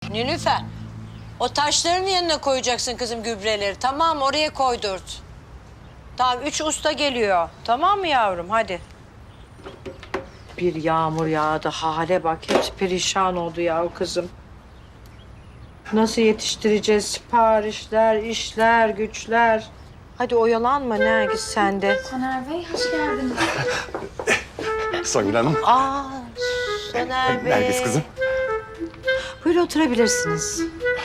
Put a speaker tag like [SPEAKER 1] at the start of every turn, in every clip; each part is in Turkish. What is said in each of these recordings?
[SPEAKER 1] Nilüfer, o taşların yanına koyacaksın kızım gübreleri. Tamam, oraya koydurt. Tamam, 3 usta geliyor. Tamam mı yavrum? Hadi. Bir yağmur yağdı. Hale bak. Hepsi perişan oldu ya o kızım. Nasıl yetiştireceğiz siparişler, işler, güçler? Hadi oyalanma Nergis sen de.
[SPEAKER 2] Soner Bey, hoş geldiniz.
[SPEAKER 3] Songül Hanım.
[SPEAKER 1] Aa, Soner Bey.
[SPEAKER 3] Nergis kızım.
[SPEAKER 1] Buyurun oturabilirsiniz.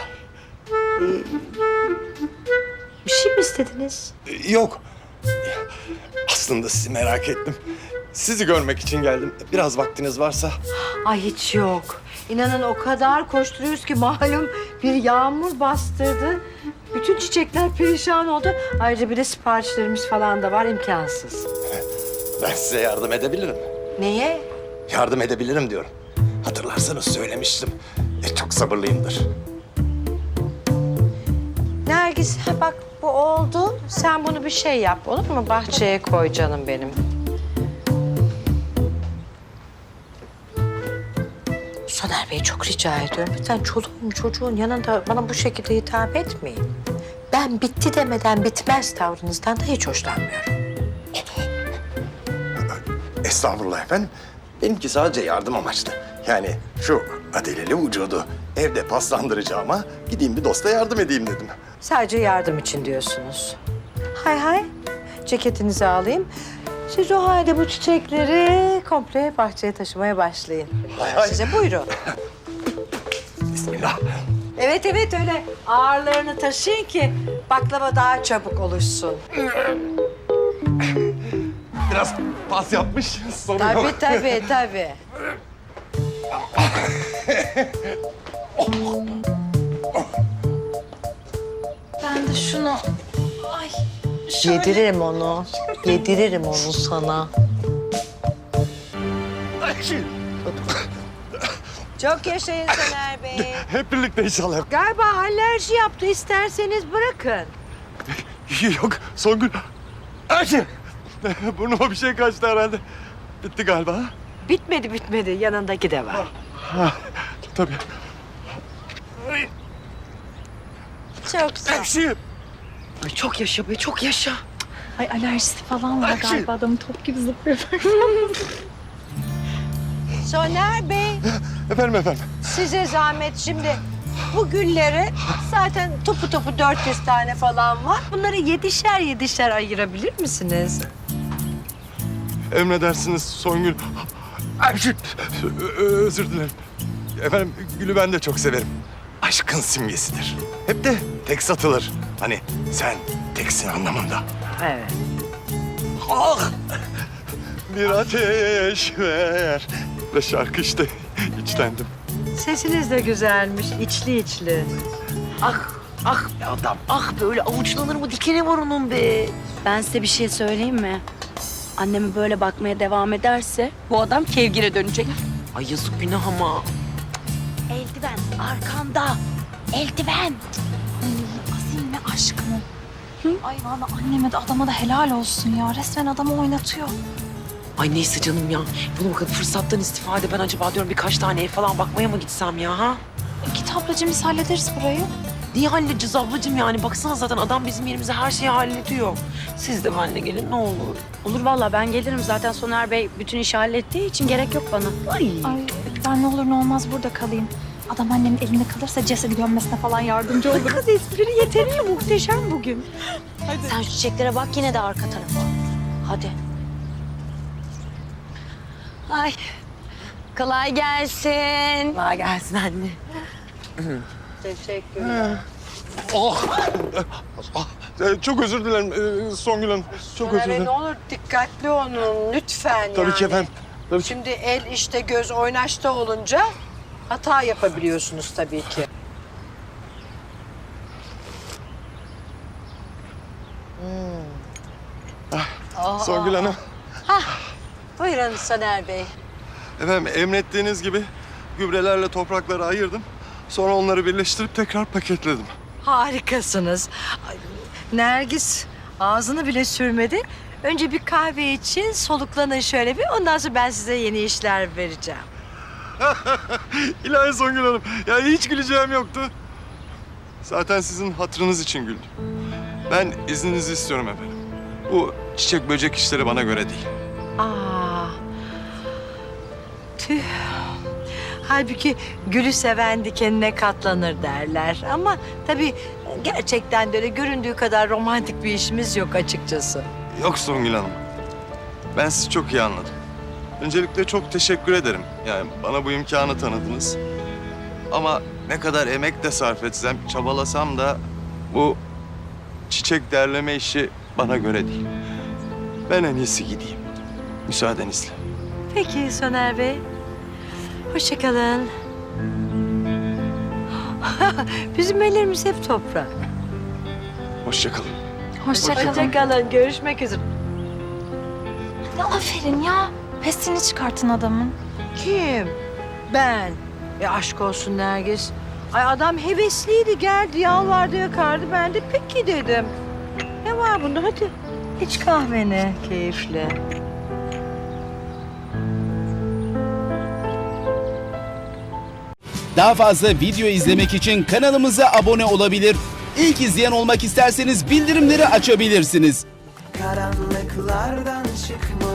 [SPEAKER 1] Bir şey mi istediniz?
[SPEAKER 3] Yok. Aslında sizi merak ettim. Sizi görmek için geldim. Biraz vaktiniz varsa.
[SPEAKER 1] Ay hiç yok. İnanın o kadar koşturuyoruz ki malum bir yağmur bastırdı. Bütün çiçekler perişan oldu. Ayrıca bir de siparişlerimiz falan da var, imkansız.
[SPEAKER 3] Ben size yardım edebilirim.
[SPEAKER 1] Neye?
[SPEAKER 3] Yardım edebilirim diyorum. Hatırlarsanız söylemiştim. Çok sabırlıyımdır.
[SPEAKER 1] Nergis, ha bak bu oldu. Sen bunu bir şey yap, olur mu? Bahçeye koy canım benim. Soner Bey çok rica ediyorum. Lütfen çoluğun çocuğun yanında bana bu şekilde hitap etmeyin. Ben bitti demeden bitmez tavrınızdan da hiç hoşlanmıyorum.
[SPEAKER 3] Estağfurullah efendim. Benimki sadece yardım amaçlı. Yani şu adeleli vücudu evde paslandıracağıma gideyim bir dosta yardım edeyim dedim.
[SPEAKER 1] Sadece yardım için diyorsunuz. Hay hay, ceketinizi alayım. Siz o halde bu çiçekleri komple bahçeye taşımaya başlayın.
[SPEAKER 3] Hay hay.
[SPEAKER 1] Size buyurun.
[SPEAKER 3] Bismillah.
[SPEAKER 1] Evet evet öyle ağırlarını taşıyın ki baklava daha çabuk oluşsun.
[SPEAKER 3] Biraz pas yapmış. Sorun
[SPEAKER 1] Tabii
[SPEAKER 3] yok.
[SPEAKER 1] tabii.
[SPEAKER 2] Ben de şunu... Ay, şöyle...
[SPEAKER 1] Yediririm onu. Yediririm onu sana. Çok yaşayın Soner Bey.
[SPEAKER 3] Hep birlikte inşallah.
[SPEAKER 1] Galiba alerji yaptı. İsterseniz bırakın.
[SPEAKER 3] Yok Songül. Ayşe. Burnuma bir şey kaçtı herhalde. Bitti galiba.
[SPEAKER 1] Bitmedi. Yanındaki de var.
[SPEAKER 3] Ha, tabii.
[SPEAKER 1] Çok sağ ol.
[SPEAKER 3] Ekşi.
[SPEAKER 4] Ay çok yaşa be, çok yaşa.
[SPEAKER 2] Ay alerjisi falan var
[SPEAKER 3] Ayşe.
[SPEAKER 2] galiba. Adamın top gibi zıplıyor.
[SPEAKER 1] Soner Bey,
[SPEAKER 3] Efendim.
[SPEAKER 1] size zahmet şimdi. Bu gülleri zaten topu 400 tane falan var. Bunları yedişer ayırabilir misiniz?
[SPEAKER 3] Emredersiniz Songül. Ayşe. Özür dilerim. Efendim gülü ben de çok severim. Aşkın simgesidir. Hep de tek satılır. Hani sen teksin anlamında.
[SPEAKER 1] Evet.
[SPEAKER 3] Ah! Bir ateş ver. Ve şarkı işte içlendim.
[SPEAKER 1] Sesiniz de güzelmiş, içli.
[SPEAKER 4] Ah be adam, ah böyle avuçlanır mı dikeni var onun be.
[SPEAKER 2] Ben size bir şey söyleyeyim mi? Anneme böyle bakmaya devam ederse bu adam kevgire dönecek.
[SPEAKER 4] Ay yazık günah ama.
[SPEAKER 2] Eldiven arkanda. Eldiven. Azim ve aşk mı? Ay vallahi anneme de adama da helal olsun ya. Resmen adamı oynatıyor.
[SPEAKER 4] Ay neyse canım ya. Bunu bakın fırsattan istifade ben acaba diyorum birkaç tane ev falan bakmaya mı gitsem ya ha?
[SPEAKER 2] Git ablacığım biz hallederiz burayı.
[SPEAKER 4] Niye halledeceğiz ablacığım yani? Baksana zaten adam bizim yerimize her şeyi hallediyor. Siz de benimle gelin ne olur.
[SPEAKER 2] Olur vallahi ben gelirim. Zaten Soner Bey bütün işi hallettiği için gerek yok bana.
[SPEAKER 4] Ay.
[SPEAKER 5] Ay ben ne olur ne olmaz burada kalayım. Adam annemin elinde kalırsa cesedi gömmesine falan yardımcı olur.
[SPEAKER 1] Kız espri yeterli muhteşem bugün.
[SPEAKER 2] Sen şu çiçeklere bak yine de arka tarafa. Hadi. Ay kolay gelsin.
[SPEAKER 4] Kolay gelsin anne.
[SPEAKER 1] Teşekkürler.
[SPEAKER 3] Çok özür dilerim Songül Hanım. Çok özür
[SPEAKER 1] Soner Bey
[SPEAKER 3] dilerim.
[SPEAKER 1] ne olur dikkatli olun lütfen
[SPEAKER 3] Tabii
[SPEAKER 1] yani.
[SPEAKER 3] ki efendim. Tabii ki.
[SPEAKER 1] Şimdi el işte göz oynaşta olunca hata yapabiliyorsunuz tabii ki.
[SPEAKER 3] Songül Hanım.
[SPEAKER 1] Buyurun Soner Bey.
[SPEAKER 3] Efendim emrettiğiniz gibi gübrelerle toprakları ayırdım. Sonra onları birleştirip tekrar paketledim.
[SPEAKER 1] Harikasınız. Ay, Nergis ağzını bile sürmedi. Önce bir kahve için soluklanın şöyle bir. Ondan sonra ben size yeni işler vereceğim.
[SPEAKER 3] İlahi Songül Hanım. Yani hiç güleceğim yoktu. Zaten sizin hatırınız için güldüm. Ben izninizi istiyorum efendim. Bu çiçek böcek işleri bana göre değil.
[SPEAKER 1] Aa. Tüh. Halbuki gülü seven dikenine katlanır derler. Ama tabii gerçekten de öyle göründüğü kadar romantik bir işimiz yok açıkçası.
[SPEAKER 3] Yok Songül Hanım. Ben sizi çok iyi anladım. Öncelikle çok teşekkür ederim. Yani bana bu imkanı tanıdınız. Ama ne kadar emek de sarf etsem, çabalasam da bu çiçek derleme işi bana göre değil. Ben en iyisi gideyim. Müsaadenizle.
[SPEAKER 1] Peki Soner Bey. Hoşça kalın. Bizim ellerimiz hep toprak.
[SPEAKER 3] Hoşça kalın.
[SPEAKER 5] Hoşça kalın.
[SPEAKER 1] Hoşça kalın. Görüşmek üzere.
[SPEAKER 5] Ya aferin ya. Pesini çıkartın adamın.
[SPEAKER 1] Kim? Ben. Aşk olsun Nergis. Ay adam hevesliydi, geldi, yalvardı, yakardı. Ben de peki dedim. Ne var bunda? Hadi iç kahveni keyifli.
[SPEAKER 6] Daha fazla video izlemek için kanalımıza abone olabilir. İlk izleyen olmak isterseniz bildirimleri açabilirsiniz.
[SPEAKER 7] Karanlıklardan çıkmalı